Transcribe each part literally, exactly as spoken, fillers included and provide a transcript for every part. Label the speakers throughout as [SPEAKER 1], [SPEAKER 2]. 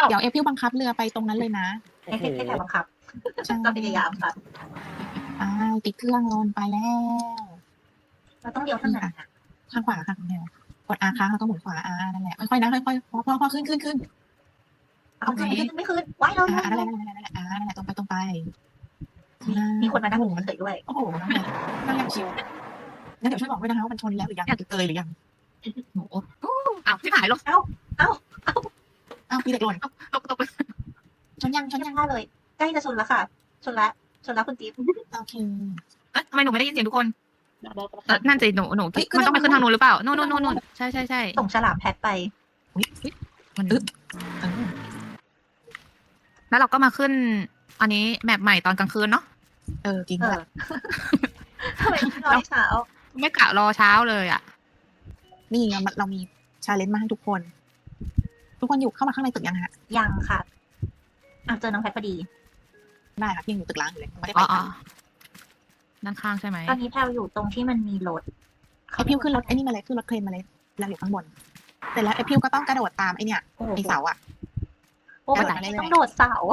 [SPEAKER 1] เดี๋ยวเอพิวบังคับเรือไปตรงนั้นเลยนะ
[SPEAKER 2] ให้ให้ให้ใครบังคับ
[SPEAKER 1] ใช่
[SPEAKER 2] ก็พยายามค่ะ
[SPEAKER 1] อ่าติดเครื่องลนไปแล้ว
[SPEAKER 2] เราต้องเลี้ยวทางไหนอะ
[SPEAKER 1] ข้างขวาค่ะคุณแมวกดอาค้างแล้วก็หมุนขวาอานั่นแหละค่อยๆนะค่อยๆพอพอพอขึ้นขึ้นขึ้น
[SPEAKER 2] เอาขึ้นไม่ขึ้นไม่ขึ้นไว้เรา
[SPEAKER 1] อ่า
[SPEAKER 2] เรา
[SPEAKER 1] นั่นแหละนั่นแหละนั่นแหละอ่านั่นแหละตรงไปตรงไป
[SPEAKER 2] มีคนมานั่งหมุนเฉยด้วย
[SPEAKER 1] โอ้โหน้องแมวนั่งยังชิวงั้นเดี๋ยวช่วยบอกด้วยนะคะว่ามันชนแล้วหรือยังเกยหรือยัง
[SPEAKER 3] โอ้โหอ้าวที่หายลง
[SPEAKER 1] อ้าวมีเด็กหล่น
[SPEAKER 3] ตกตกไป
[SPEAKER 1] ชนยังชน
[SPEAKER 2] ยั
[SPEAKER 1] ยัง ง
[SPEAKER 2] ได้เลยใกล้จะชนแล้วค่ะ ชนแล้วชนแล้วคุณจิ๊บ
[SPEAKER 1] โอเค
[SPEAKER 3] เอ๊ะทำไมหนูไม่ได้ยินเสียงทุกคนเอ่อนั่นสิหนูหนู
[SPEAKER 1] เฮ้ยขึ้น
[SPEAKER 3] มันต้องไป
[SPEAKER 1] ทาง
[SPEAKER 3] ขึ้นทาง
[SPEAKER 1] นู้
[SPEAKER 3] นู้
[SPEAKER 1] น
[SPEAKER 3] นหรือเปล่าโน่นโน่นโน่นโน่นใช่ใช่ใช่
[SPEAKER 2] ส่งฉลามแพทไป
[SPEAKER 3] มัน
[SPEAKER 1] อึ๊บ เออ
[SPEAKER 3] แล้วเราก็มาขึ้น อันนี้แมปใหม่ตอนกลางคืนเนาะ
[SPEAKER 1] เออจริง
[SPEAKER 2] เอ
[SPEAKER 1] ด้ว
[SPEAKER 2] อย ทำไมไม่รอให้เช้า
[SPEAKER 3] ไม่กะรอเช้าเลยอ่ะ
[SPEAKER 1] นี่เราเรามีชาเลนจ์มาให้ทุกคน ทุกคนอยู่เข้ามาข้างในตึกยังฮะ
[SPEAKER 2] ยังค่ะอ่ะเจอน้องแพทพอดี
[SPEAKER 1] ได้ค่ะพี่ยังอยู่ตึกล้างอยู่เลยไม่ได้
[SPEAKER 3] อ๋
[SPEAKER 1] ไป
[SPEAKER 3] ออ๋อ
[SPEAKER 1] ค่ะ
[SPEAKER 3] ด้านข้างใช่ไหม
[SPEAKER 2] ตอนนี้แพลวอยู่ตรงที่มันมีรถ
[SPEAKER 1] ไอพิวขึ้นรถไอ้นี่มาเลยขึ้นรถเครนมาเลยแล้วอยู่ข้างบนเสร็จแล้วไอพิวก็ต้องกระโดดตามไอเนี่ย
[SPEAKER 2] โอ้โห
[SPEAKER 1] ไอเสาอะ
[SPEAKER 2] โอ้โห
[SPEAKER 1] กระโดดไปเรื่อยๆ
[SPEAKER 2] ต้องโดดเสา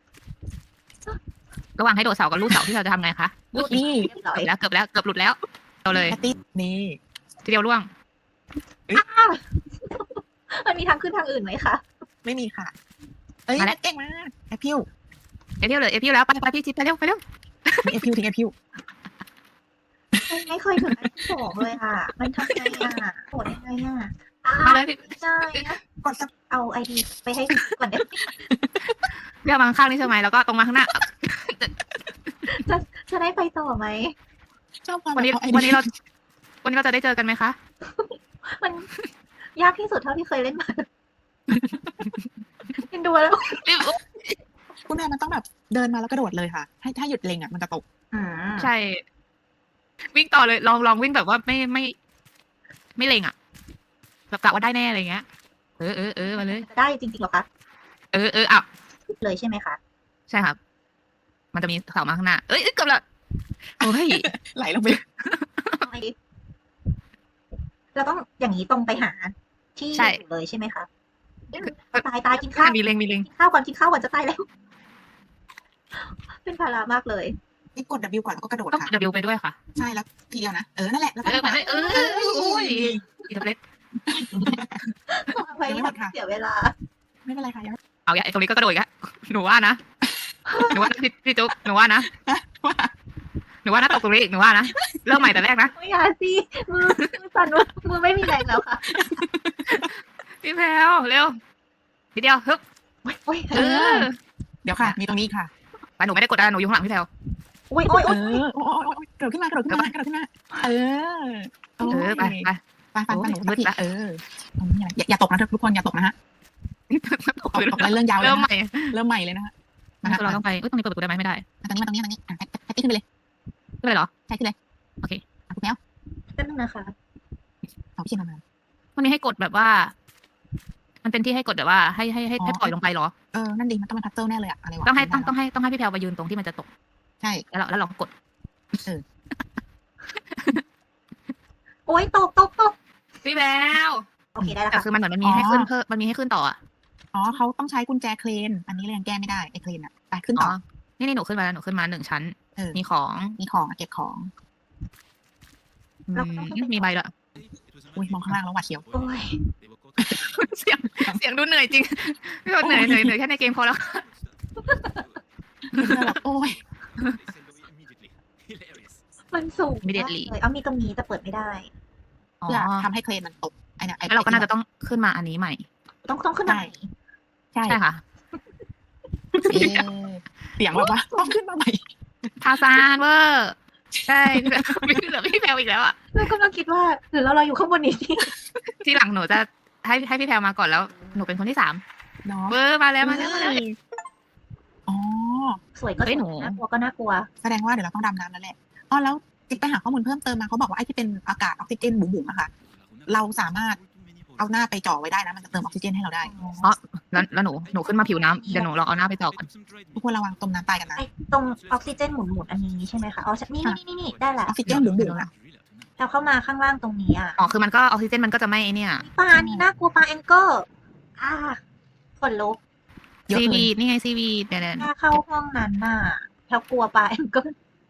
[SPEAKER 3] ระหว่างให้โดดเสากับลูกเสาที่เราจะทำไงคะ
[SPEAKER 1] นี่
[SPEAKER 2] เรียบร้อย
[SPEAKER 3] เกือบแล้วเกือบแล้วเกือบหลุดแล้วเราเลย
[SPEAKER 1] แพตตี้นี่
[SPEAKER 3] ทีเดียวร่วง
[SPEAKER 2] มันมีทางขึ้นทางอื่นไหมคะ
[SPEAKER 1] ไม่มีค่ะ เอ้ยเก่งมากไอพิว
[SPEAKER 3] เอพิวเลยเอพิวแล้วไปไปพี่จิ๊บไปเร็วไปเร็ว
[SPEAKER 1] มีไอพิวทิ้งไอพิว
[SPEAKER 2] ไม่ไม่เคยถึงอันที่สองเลยอ่ะ มันทำไงอ่ะโหดยังไงอ่ะอ่า
[SPEAKER 3] มาเลยพี่
[SPEAKER 2] ไม่ได้นะ
[SPEAKER 1] กดสับ
[SPEAKER 2] เอาไอดีไปให้ก่อนเดี๋ยว
[SPEAKER 3] เรียกมาข้างๆนี่ใช่ไหมแล้วก็ตรงมาข้างหน้า
[SPEAKER 2] จะได้ไปต่อไหม
[SPEAKER 1] ชอบความ
[SPEAKER 3] วันนี้
[SPEAKER 1] เอาไอ
[SPEAKER 3] วัน
[SPEAKER 1] เดี
[SPEAKER 3] นี้
[SPEAKER 1] ย
[SPEAKER 3] เรา วันนี้เราจะได้เจอกันไหมคะ
[SPEAKER 2] มันยากที่สุดเท่าที่เคยเล่นมาเห็นดูแล้ว
[SPEAKER 1] คุณแม่มันต้องแบบเดินมาแล้วกระโดดเลยค่ะ ให้ถ้าหยุดเล็งอ่ะมันจะตก
[SPEAKER 2] อืม
[SPEAKER 3] ใช่ วิ่งต่อเลยลองลองวิ่งแบบว่าไม่ไม่ ไม่เล็งอ่ะแบบกะว่าได้แน่อะไรเงี้ยเออเออเออมาเลย
[SPEAKER 2] ได้จริงๆเหรอคะ
[SPEAKER 3] เออเอออ่ะ
[SPEAKER 2] เลยใช่ไหมคะ
[SPEAKER 3] ใช่ครับ มันจะมีเสามาข้างหน้าเอ้ยเอ้ยเกือบละโอ้ย
[SPEAKER 1] ไหลลงไป
[SPEAKER 2] เอาไอดีเราต้องอย่างนี้ตรงไปหา ที่
[SPEAKER 3] ใช่
[SPEAKER 2] อยู่เลยใช่ไหมคะตายตายกินข้าว
[SPEAKER 3] มีเล็งมีเล็ง
[SPEAKER 2] กินข้าวก่อนกินข้าวก่อนจะตายแล้ว เป็นภาระมากเลย
[SPEAKER 1] นี่กด W ก่อนแล้วก็กระโดด
[SPEAKER 3] ต้อง
[SPEAKER 1] ค่ะ
[SPEAKER 3] ดับเบิลไปด้วยค่ะ
[SPEAKER 1] ใช่แล้วทีเดียวนะ เออ นั่นแหละ แล้ว
[SPEAKER 3] เอ
[SPEAKER 1] ก็
[SPEAKER 3] อมาเลยเออโอ้ยอีทับเล็ต
[SPEAKER 2] เอาไว้ไม่ต้องเสียเวลา
[SPEAKER 1] ไม่เป็นไรค่ะยัง
[SPEAKER 3] เอาอย่าไอ้ตรงนี้ก็กระโดดอีกแล้วหนูว่านะหนูว่าพี่พี่จุ๊บหนูว่านะหนูว่านะตกตรงนี้อีกหนูว่านะเริ่มใหม่แต่แรกนะ
[SPEAKER 2] ไม่อยาสิมือมือสั่นมือมือไม่มีแรงแล้วค่ะ
[SPEAKER 3] พี่แพลวเร็วทีเดียวฮึบ
[SPEAKER 2] โอ้ย
[SPEAKER 3] เออ
[SPEAKER 1] เดี๋ยวค่ะ มีตรงนี้ค่ะ
[SPEAKER 3] แต่หนูไม่ได้กดดันหนูอยู่ข้างหลังพี่แพลว
[SPEAKER 2] โอ้ยโอ้ย
[SPEAKER 1] เอ
[SPEAKER 2] โอ้ย
[SPEAKER 1] อ โอ้โอ้โอ้กระโดดขึ้นมากระโดดขึ้นมากระโดดขึ้นมา เออ
[SPEAKER 3] เออไปไป
[SPEAKER 1] ไปไปไปหนู
[SPEAKER 3] มืดละ
[SPEAKER 1] เอออย่าอย่าตกนะทุกคนอย่าตกนะฮะตกตกแล้วเรื่องยาวเลย
[SPEAKER 3] เริ่มใหม่
[SPEAKER 1] เริ่มใหม่เลยนะฮะ
[SPEAKER 3] คือเราต้องไปเอ้ยตรงนี้เปิดประตูได้ไหมไม่ได้
[SPEAKER 1] ตรงนี้มาตรงนี้ตรงนี้แพตตี้ขึ้นไปเลย
[SPEAKER 3] ไม่ได้เหรอ
[SPEAKER 1] ใช่ขึ้นเลย
[SPEAKER 3] โอเค
[SPEAKER 1] คุณแมว
[SPEAKER 2] แป๊บนึงนะคะ
[SPEAKER 1] เอาพี่เชนมา
[SPEAKER 3] วันนี้ให้กดแบบว่า มันเป็นที่ให้กดแบบว่า ให้ให้ให้ให้ปล่อยลงไปเหรอ
[SPEAKER 1] เออ นั่นดีมันต้องเป็นพัซเซิลแน่เลยอะอะไรวะ
[SPEAKER 3] ต้องให้ต้องต้องให้ต้องให้พี่แพลวไปยืนตรงที่มันจะตก
[SPEAKER 1] ใช่
[SPEAKER 3] แล้วเราแล้วเราก็กด
[SPEAKER 2] โอ้ยตกตกตก
[SPEAKER 3] พี่แพลว
[SPEAKER 2] โอเคได้แล้ว
[SPEAKER 3] แต่
[SPEAKER 2] ค่ะ
[SPEAKER 3] คือมันเหมือนมันมีให้ขึ้นเพิ่มมันมีให้ขึ้นต่ออ่ะ
[SPEAKER 1] อ๋อเขาต้องใช้กุญแจเครน อันนี้เลยยังแก้ไม่ได้ไอ้เครนอะไปขึ้น
[SPEAKER 3] อ๋
[SPEAKER 1] ต่
[SPEAKER 3] อ
[SPEAKER 1] อ
[SPEAKER 3] นี่นี่หนูขึ้นมาแล้วหนูขึ้นมาหนึ่งชั้น
[SPEAKER 1] เออ
[SPEAKER 3] มีของ
[SPEAKER 1] มีของอะเก็บของ
[SPEAKER 3] อืมมีใบละ
[SPEAKER 1] อุ้ยมองข้างล่างแล้วหวาดเสียว
[SPEAKER 2] โอ้ย
[SPEAKER 3] เสียงเสียงดูเหนื่อยจริงพี่บอกเหนื่อยเหนื่อยเหนื่อยแค่ในเกมพอแล้ว
[SPEAKER 1] โอ้ย
[SPEAKER 2] มันสูง
[SPEAKER 3] ไม่เด็ด
[SPEAKER 2] มาก
[SPEAKER 3] หลี
[SPEAKER 2] เลยเอามีตรงนี้แต่เปิดไม่ได้
[SPEAKER 3] อ๋อ
[SPEAKER 1] เพื่อทำให้เครนมันตกไอ้เนี่ยไอ้
[SPEAKER 3] แล้วเราก็น่าจะต้องขึ้นมาอันนี้ใหม่
[SPEAKER 2] ต้องต้องขึ้นไหน
[SPEAKER 1] ใช่
[SPEAKER 3] ใช่ค่ะ
[SPEAKER 1] เอ๊ะเสียงแบบว่าต้องขึ้นมาใหม่
[SPEAKER 3] ทาซานเวอร์ใช่ไม่เหลือพี่แพลวอีกแล้วอ่ะ
[SPEAKER 2] เรากำลังคิดว่าหรือเราเราอยู่ข้างบนนี้ที่
[SPEAKER 3] ที่หลังหนูจะให้ให้พี่แพลวมาก่อนแล้วหนูเป็นคนที่สาม
[SPEAKER 1] เนาะ
[SPEAKER 3] เวอร์มาแล้วมาแล้วมาแล้ว
[SPEAKER 1] อ๋อ
[SPEAKER 2] สวยก็ส
[SPEAKER 3] เฮ้
[SPEAKER 2] วย
[SPEAKER 3] ยหนู
[SPEAKER 2] น่ากลัวก็น่ากลัว
[SPEAKER 1] แสดงว่าเดี๋ยวเราต้องดำน้ำแล้วแหละอ๋อแล้วจิ๊กไปหาข้อมูลเพิ่มเติมมาเขาบอกว่าไอ้ที่เป็นอากาศออกซิเจนบุ๋มๆอะค่ะ เราสามารถเอาหน้าไปจ่อไว้ได้นะมันจะเติมออกซิเจนให้เราได้
[SPEAKER 3] แล้วแล้วหนูหนูขึ้นมาผิวน้ำเดี๋ยวหนูลองเอาหน้าไปจอกก่อน
[SPEAKER 1] ทุกคนระวังต้มน้ำตายกันนะ
[SPEAKER 2] ไอ้ตรงออกซิเจนหมุนหมุนๆอันนี้ใช่ไหมคะอ๋อนี่นี่นี่นี่ได้แห
[SPEAKER 1] อ
[SPEAKER 2] ละ
[SPEAKER 1] อกซิเจนบุ๋มๆอะ
[SPEAKER 2] เราเข้ามาข้างล่างตรงนี้อ่ะ
[SPEAKER 3] อ๋อคือมันก็ออกซิเจนมันก็จะไม่ไอ้เนี่ย
[SPEAKER 2] ปลานี่น่ากลัวปลาแองเกิลอ่าขนลุก
[SPEAKER 1] เยอะ
[SPEAKER 3] ซี
[SPEAKER 1] เกิ
[SPEAKER 3] วี
[SPEAKER 1] น
[SPEAKER 3] นี่ไงซีวีเดี๋ยว
[SPEAKER 2] ถ้าเข้าห้องนั้นน่ะแพลกลัวปลาแองเกิล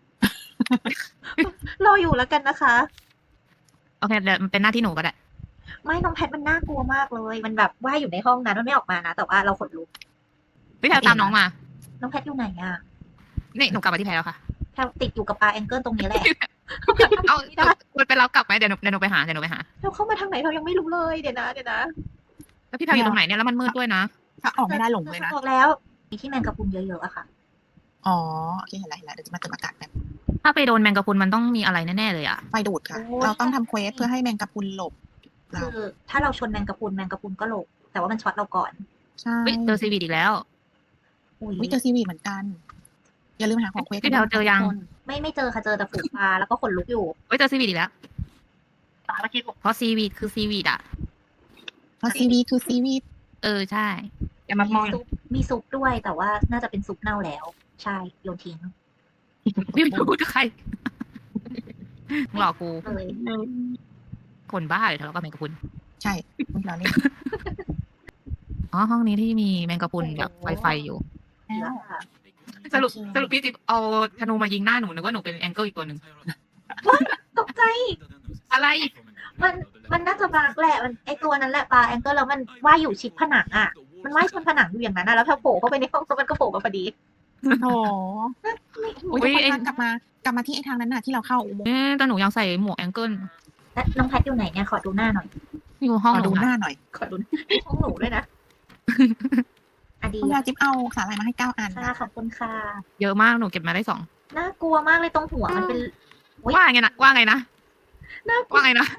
[SPEAKER 2] รออยู่แล้วกันนะคะ
[SPEAKER 3] โอเคเดี๋ยวมันเป็นหน้าที่หนูก็ได้
[SPEAKER 2] ไม่น้องแพทมันน่ากลัวมากเลย มันแบบว่าอยู่ในห้องนั้นมันไม่ออกมานะ แต่ว่าเราขนลุก
[SPEAKER 3] พี่แพลวตามน้องมา
[SPEAKER 2] น้องแพทอยู่ไหนอะ
[SPEAKER 3] นี่หนูกลับมาที่แพลวแล้วค่ะ
[SPEAKER 2] แพลติดอยู่กับปลาแองเกิลตรงนี้แหละ
[SPEAKER 3] เอา
[SPEAKER 2] ไม่ได้
[SPEAKER 3] ควรไปรับกลับไหมเดี๋ยวหนูเดี๋ยวหนูไปหาเดี๋ยวหนูไปหา
[SPEAKER 2] แพลเข้ามาทางไหนเรายังไม่รู้เลยเดี๋ยวนะเดี๋ยวนะ
[SPEAKER 3] แล้วพี่แพลวอยู่ตรงไหนเนี่ยแล้วมันมืดด้วยนะ
[SPEAKER 1] ถ้าออกไม่ได้หลงเลยนะ
[SPEAKER 2] บอกแล้วมีที่แมงกะพรุนเยอะๆอะค่ะ
[SPEAKER 1] อ๋อโอเคเห็นแล้วเห็นแล้วเดี๋ยวจะมาเติมอากาศแบบ
[SPEAKER 3] ถ้าไปโดนแมงกะพรุนมันต้องมีอะไรแน่ๆเลยอ่ะ
[SPEAKER 1] ไฟดูดค่ะ
[SPEAKER 2] โอ้
[SPEAKER 1] เราต้องทำเควสเพื่อให้แมงกะพรุนหลบเรา
[SPEAKER 2] คือถ้าเราชนแมงกะพรุนแมงกะพรุนก็หลบแต่ว่ามันช็อตเราก่อน
[SPEAKER 1] ใช่
[SPEAKER 3] เฮ้ยเจอซีวีอีกแล้ว
[SPEAKER 2] อุ้ย
[SPEAKER 1] วิเจอซีวีเหมือนกัน อย่าลืมหาของเควส
[SPEAKER 3] พี่แพลวเจอยัง
[SPEAKER 2] ไม่ไม่เจอค่ะเจอแต่ฝูงปลาแล้วก็ขนลุกอยู่
[SPEAKER 3] เฮ้ยเจอซีวีอีกแล้วเพราะซีวีคือซีวีอ่ะ
[SPEAKER 1] เพราะซีวีคือซีวี
[SPEAKER 3] เออใช่
[SPEAKER 4] อย่ามามอง
[SPEAKER 2] ซุปมีซุปด้วยแต่ว่าน่าจะเป็นซุปเน่าแล้ว ใช่โยนทิ้ง
[SPEAKER 3] พี่ไม่พูดกับใครมึงหลอกกู
[SPEAKER 2] เลย
[SPEAKER 3] คนบ้าเลยทะเลาะกับแมงกะพรุน
[SPEAKER 1] ใช่ไม่เราเล่น
[SPEAKER 3] อ๋อห้องนี้ที่มีแมงกะพรุนแบบไฟไฟอยู่
[SPEAKER 1] แล้ว
[SPEAKER 2] ค่ะ
[SPEAKER 3] สรุปสรุปพี่จิ๊บเอาธนูมายิงหน้าหนูนึกว่าหนูเป็นแองเกิลอีกตัวหนึ่ง
[SPEAKER 2] ตกใจ
[SPEAKER 3] อะไร
[SPEAKER 2] มันมันน่าจะบากแหละมันไอตัวนั้นแหละปลาแองเกิลแล้วมันว่ายอยู่ชิดผนังอ่ะ มันว่ายชนผนังอยู่อย่างนั้นนะแล้วพอโผล่เข้าไปในห้องแล้วมันก็โผล่มาพอดี
[SPEAKER 1] โอ้
[SPEAKER 2] ไม่
[SPEAKER 1] โหทุกคนคะกลับมากลับมาที่ไอ้ทางนั้นน่ะที่เราเข้าอุโมงค์
[SPEAKER 3] เอ๊ะแต่หนูยังใส่หมวกแองเกิล
[SPEAKER 2] แล้วน้องแพทอยู่ไหนเนี่ยขอดูหน้าหน่อย
[SPEAKER 3] อยู่ห้อง
[SPEAKER 1] ขอ
[SPEAKER 3] หนู
[SPEAKER 1] ดูห
[SPEAKER 3] นะ
[SPEAKER 1] น้าหน่อย
[SPEAKER 2] ขอดูห้องหนูด้วยนะอะดี
[SPEAKER 1] คุณยาจิ๊บเอาสาหร่ายมาให้เก้าอัน
[SPEAKER 2] ค่ะขอบคุณค่ะ
[SPEAKER 3] เยอะมากหนูเก็บมาได้สอง
[SPEAKER 2] น่ากลัวมากเลยตรงหัวมันเป็น อุ๊ย
[SPEAKER 3] ว่าไงนะว่าไงนะ
[SPEAKER 2] น่ากลัว
[SPEAKER 3] ว่าไงนะ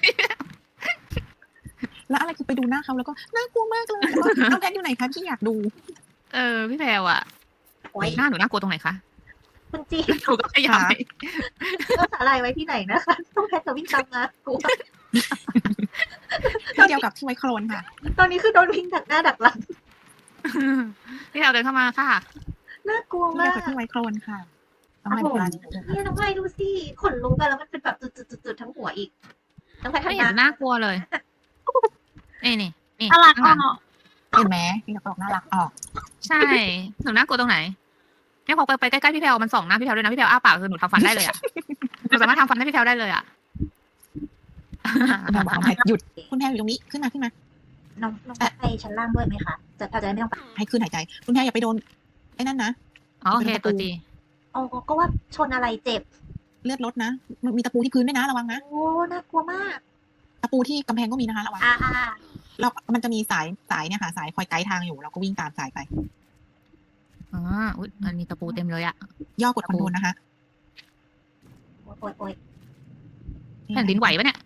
[SPEAKER 1] แล้วอะไรคือไปดูหน้าเขาแล้วก็น่ากลัวมากเลยแล้วก็น้องแพทอยู่ไหนคะพี่อยากดู
[SPEAKER 3] เออพี่แพรวอะ
[SPEAKER 2] โอ๊ย
[SPEAKER 3] หน้าหนูน่ากลัวตรงไหนคะ
[SPEAKER 2] คุณจี
[SPEAKER 3] หนูก็พยายาม
[SPEAKER 1] ค่ะ
[SPEAKER 3] ไป
[SPEAKER 2] เอาสาลายไว้ที่ไหนนะคะต้องแพทจะวิ่งตามมากลัว
[SPEAKER 1] ที่เดียวกับที่ไว้โครนค่ะ
[SPEAKER 2] ตอนนี้คือโดนวิ่งดักหน้าดักหลัง
[SPEAKER 3] พี่แพรวเดินเข้ามาค่ะ
[SPEAKER 2] น่ากลัว
[SPEAKER 1] ที่
[SPEAKER 2] มา
[SPEAKER 1] เดียว
[SPEAKER 2] ก
[SPEAKER 1] กับที่ไว้โครนค่ะต้องให้เวลานิดนึง
[SPEAKER 2] เนี่ยน้องไม้ดูสิขนลุกอะแล้วมันเป็นแบบจุดๆๆๆทั้งหัวอีกน้องแพท
[SPEAKER 3] ไม่
[SPEAKER 2] ทำ
[SPEAKER 3] เห็
[SPEAKER 2] ห
[SPEAKER 3] น
[SPEAKER 2] น้า
[SPEAKER 3] น่ากลัวเลยนี่นี่นี่
[SPEAKER 4] น่ารัก
[SPEAKER 3] ข้างห
[SPEAKER 4] อ่ะ
[SPEAKER 3] ลัง
[SPEAKER 1] เห็นไหมพี่อยากบอกน่ารักออก
[SPEAKER 3] ใช่หนูน่ากลัวตรงไหนเนี่ยพอไปไปใกล้ๆพี่แพรวมันส่องหน้าพี่แพรวด้วยนะพี่แพรวอ้าปากคือหนูทำฟันได้เลยอะหนูสามารถทำฟันให้พี่แพรวได้เลยอะ
[SPEAKER 1] คุณแพรบอกน้องแพทหยุดคุณแพรอยู่ตรงนี้ขึ้นมาขึ้นมา
[SPEAKER 2] น้องน้องแพทไปชั้นล่างด้วยไหมคะจะเราจะได้ไม่ต้องไป
[SPEAKER 1] ให้ขึ้นหายใจ คุณแพรอย่าไปโดนไอ้นั่นนะ
[SPEAKER 3] อ๋อโอเคตัวจี
[SPEAKER 2] อ๋อก็ว่าชนอะไรเจ็บ
[SPEAKER 1] เลือดลดนะมันมีตะปูที่พื้นด้วยนะระวังนะ
[SPEAKER 2] โอ้น่ากลัวมาก
[SPEAKER 1] ตะปูที่กำแพงก็มีนะคะระวัง
[SPEAKER 2] อ่าอ่า
[SPEAKER 1] เรามันจะมีสายสายเนี่ยค่ะ สายคอยไกด์ทางอยู่เราก็วิ่งตามสายไป
[SPEAKER 3] อ๋ออุ๊ยมันมีตะปูเต็มเลยอะ
[SPEAKER 1] ย่อกดคอนโทรลนะคะ
[SPEAKER 2] โอ๊ยโอ๊ยโอ๊ย
[SPEAKER 3] แผ่นดินไหวปะเนี่ย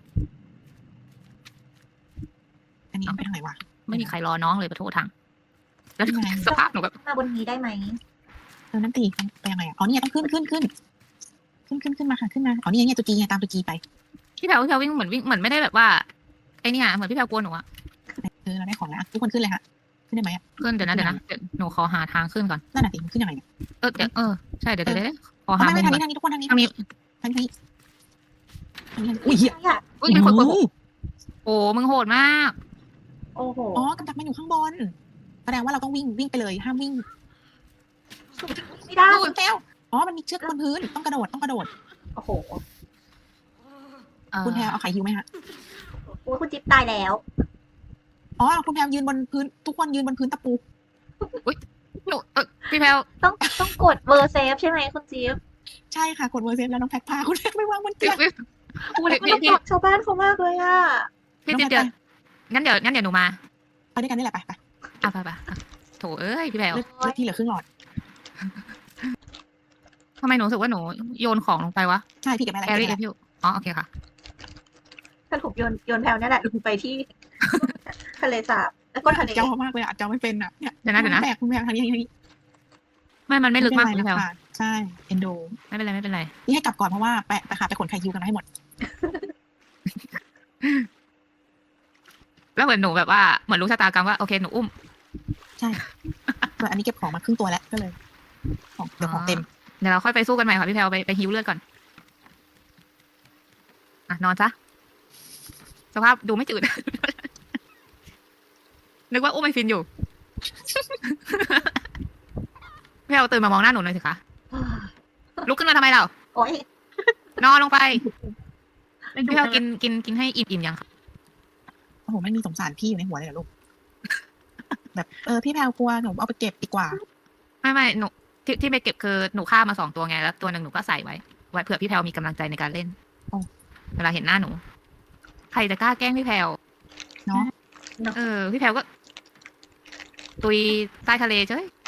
[SPEAKER 1] อันนี้ไปทางไหนวะ
[SPEAKER 3] ไม่มีใครรอน้องเลยขอโทษทางแล้ว
[SPEAKER 1] ยังไง
[SPEAKER 3] สภาพหนูแบบ
[SPEAKER 2] มาบนนี้ได้ไหม
[SPEAKER 1] เออนั่นตีไปยังไงอ่ะอ๋อเนี่ยต้องขึ้นขึ้นขึ้นขึ้นขึ้นขึ้นมาค่ะขึ้นมาอ๋อนี่ไงตัวจีไงตามตัวจีไป
[SPEAKER 3] พี่แพรวพี่แพรววิ่งเหมือนวิ่งเหมือนไม่ได้แบบว่าไอ้นี่อะเหมือนพี่แพรวกลัวหนูอะ
[SPEAKER 1] เออเราได้ของแล้วทุกคนขึ้นเลยค่ะขึ้นได้ไหมอ่ะ
[SPEAKER 3] ขึ้นเดี๋ยวนะเดี๋ยวนะเดี๋ยวหนูขอหาทางขึ้นก่อน
[SPEAKER 1] นั่นน่ะสิมันขึ้นยังไงเนี่ย
[SPEAKER 3] เออเดี๋ยวเออใช่เดี๋ยวเดี๋ยวเดี๋ยวขอ
[SPEAKER 1] อ๋อ
[SPEAKER 3] หา
[SPEAKER 1] ไม่
[SPEAKER 3] มุ
[SPEAKER 1] ไม่
[SPEAKER 3] ม
[SPEAKER 1] ทาง
[SPEAKER 3] ก่
[SPEAKER 1] นี้
[SPEAKER 3] อน
[SPEAKER 1] ทางนี้ทุกคนทางนี้
[SPEAKER 3] ทางนี้
[SPEAKER 1] ทางนี้ทางนี้ทางนี้อุ้ยเหี้ย
[SPEAKER 2] ใช่อะ
[SPEAKER 3] อุ้ยมีคนกดผมโอ้มึงโหดมาก
[SPEAKER 2] โอ้โห
[SPEAKER 1] อ๋อกำจัดมันอยู่ข้างบนแสดงว่าเราต้องวิ่งวิ่งไปเลยห้ามวิ่ง
[SPEAKER 2] ไม่ได้
[SPEAKER 1] คุณแก้วอ๋อมันมีเชือกบนพื้นต้องกระโดดต้องกระโดด
[SPEAKER 2] โอ้โห
[SPEAKER 3] เออ
[SPEAKER 1] คุณแพรเอาไข่ฮิวไหมฮะ
[SPEAKER 2] โอ้ยคุณจิ๊บตายแล้ว
[SPEAKER 1] อ๋อคุณแพรยืนบนพื้นทุกคนยืนบนพื้นตะปู
[SPEAKER 3] หนูเออพี่แพรว
[SPEAKER 2] ต้องต้องกดเบอร์เซฟใช่ไหมคุณจิ๊บ
[SPEAKER 1] ใช่ค่ะกดเวอร์เซฟแล้วน้องแพ็คพาคุณแพรไปวางบน
[SPEAKER 3] พี่
[SPEAKER 1] เตียง
[SPEAKER 2] โอ้ยมันต้องบอกชาวบ้านเขามากเลยอะ
[SPEAKER 3] พี่เดี๋ยวงั้นเดี๋ยวงั้นเดี๋ยวหนูมา
[SPEAKER 1] ไปด้วยกันนี่แหละไปไป
[SPEAKER 3] อ่ะไปไปอ่ะโถเอ้ยพี่แพรว
[SPEAKER 1] เลือดเลือดที่เหลือครึ่งหลอด
[SPEAKER 3] ทำไมหนูรู้สึกว่าหนูโยนของลงไปวะ
[SPEAKER 1] ใช่พี่เก็บไม่อะไร
[SPEAKER 3] แอ
[SPEAKER 1] เก็บ
[SPEAKER 3] รี่
[SPEAKER 1] ไม่
[SPEAKER 3] เอ
[SPEAKER 1] อะไร
[SPEAKER 3] พิวอ๋อโอเคค่ะ
[SPEAKER 2] สรุปโยนโยนแพลวนั่นแหละลงไปที่ ทะเลสาบแล้วก็ทะเล
[SPEAKER 1] เจ้ามากเลยอ่ะเจ้าไม่เป็นอ่ะเนี่ย
[SPEAKER 3] เดี๋ยวนะเดี๋ยวนะ
[SPEAKER 1] แบกคุณแพรทางนี้ทางนี้
[SPEAKER 3] ไม่มันไม่ลึกมาก
[SPEAKER 1] เป็
[SPEAKER 3] พี่
[SPEAKER 1] น
[SPEAKER 3] แพร
[SPEAKER 1] ไร
[SPEAKER 3] ว
[SPEAKER 1] นะคะใช่เอนโด
[SPEAKER 3] ไม่เป็นไรไม่เป็นไร
[SPEAKER 1] นี่ให้กลับก่อนเพราะว่าไปไปขาไปขนไข่ฮิวกันมาให้หมด
[SPEAKER 3] แล้วเหมือนหนูแบบว่าเหมือนรู้ชะตากรรมว่าโอเคหนูอุ้ม
[SPEAKER 1] ส่วนอันนี้เก็บของมาครึ่งตัวแล้วก็เลย ของเดี๋ยวของเต็ม
[SPEAKER 3] เดี๋ยวเราค่อยไปสู้กันใหม่ค่ะพี่แพรวไปไปฮิวเลือดก่อนอ่ะนอนซะสภาพดูไม่จืด นึกว่าอุ้มไอฟินอยู่ลตื่นมามองหน้าหนูหน่อยสิคะลุกขึ้นมาทำไมเรา
[SPEAKER 2] โอ๊ย
[SPEAKER 3] นอนลงไป
[SPEAKER 2] ไม่
[SPEAKER 3] พี่
[SPEAKER 2] ดู
[SPEAKER 3] แพลว
[SPEAKER 2] นะ
[SPEAKER 3] กินกินกินให้อิ่มๆยังคะ
[SPEAKER 1] โอ้โหไม่มีสงสารพี่อยู่ในหัวเลยเหรอลูก แบบเออพี่แพลวกลัวหนูเอาไปเก็บดีกว่า
[SPEAKER 3] ไม่ไม่หนูที่ที่ไปเก็บคือหนูฆ่ามาสองตัวไงแล้วตัวหนึ่งหนูก็ใส่ไว้ไว้เผื่อพี่แพลวมีกำลังใจในการเล่น
[SPEAKER 1] อ๋อ
[SPEAKER 3] เวลาเห็นหน้าหนู ใครจะกล้าแกล้งพี่แพลว
[SPEAKER 1] เนาะ
[SPEAKER 3] เออพี่แพลวก็ ตุยใต้ทะเลเจ้ย